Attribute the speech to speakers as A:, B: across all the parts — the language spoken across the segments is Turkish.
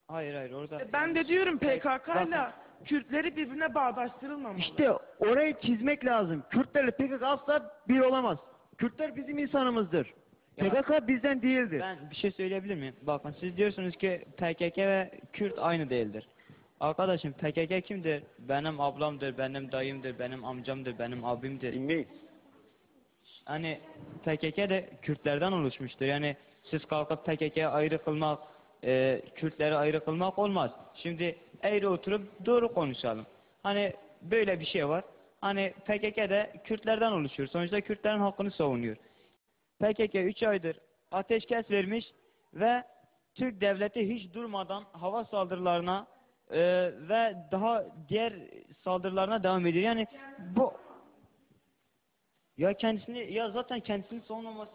A: Hayır hayır orada.
B: Ben de diyorum PKK'yla
A: Bakın.
B: Kürtleri birbirine bağdaştırılmamalı.
C: İşte orayı çizmek lazım. Kürtlerle PKK asla bir olamaz. Kürtler bizim insanımızdır.
A: Ya-
C: PKK bizden değildir.
A: Ben bir şey söyleyebilir miyim? Bakın siz diyorsunuz ki PKK ve Kürt aynı değildir. Arkadaşım PKK kimdir? Benim ablamdır, benim dayımdır, benim amcamdır, benim abimdir.
D: Dinleyin.
A: Hani PKK de Kürtlerden oluşmuştur. Yani siz kalkıp PKK'ya ayrı kılmak, Kürtleri ayrı kılmak olmaz. Şimdi eğri oturup doğru konuşalım. Hani böyle bir şey var. Hani PKK de Kürtlerden oluşuyor. Sonuçta Kürtlerin hakkını savunuyor. PKK 3 aydır ateşkes vermiş ve Türk devleti hiç durmadan hava saldırılarına ve daha diğer saldırılarına devam ediyor. Yani bu ya kendisini ya zaten kendisini savunmaması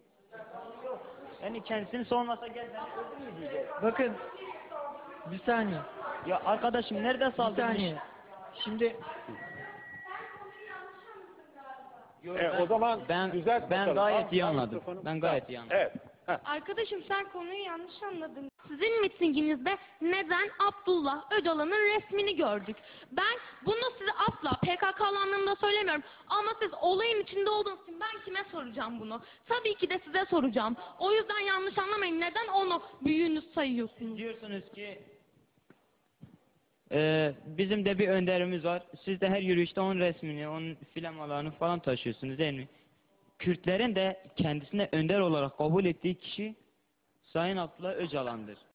A: yani kendisini savunmasa gel beni öldür mü diyecek.
E: Bakın bir saniye.
A: Ya arkadaşım nerede
E: Bir
A: saldırmış?
E: saniye. Şimdi
A: Yo,
D: O zaman
A: ben
D: düzelt bakalım.
A: gayet iyi
D: Al
A: anladım.
D: mikrofonu.
A: Ben gayet iyi anladım.
D: Evet. Heh.
F: Arkadaşım sen konuyu yanlış anladın. Sizin mitinginizde neden Abdullah Öcalan'ın resmini gördük? Ben bunu size asla PKK'lı anlamında söylemiyorum. Ama siz olayın içinde olduğunuz için ben kime soracağım bunu? Tabii ki de size soracağım. O yüzden yanlış anlamayın. Neden onu büyüğünüz sayıyorsunuz?
A: Diyorsunuz ki bizim de bir önderimiz var. Siz de her yürüyüşte onun resmini, onun flamalarını falan taşıyorsunuz değil mi? Kürtlerin de kendisine önder olarak kabul ettiği kişi Sayın Abdullah Öcalan'dır.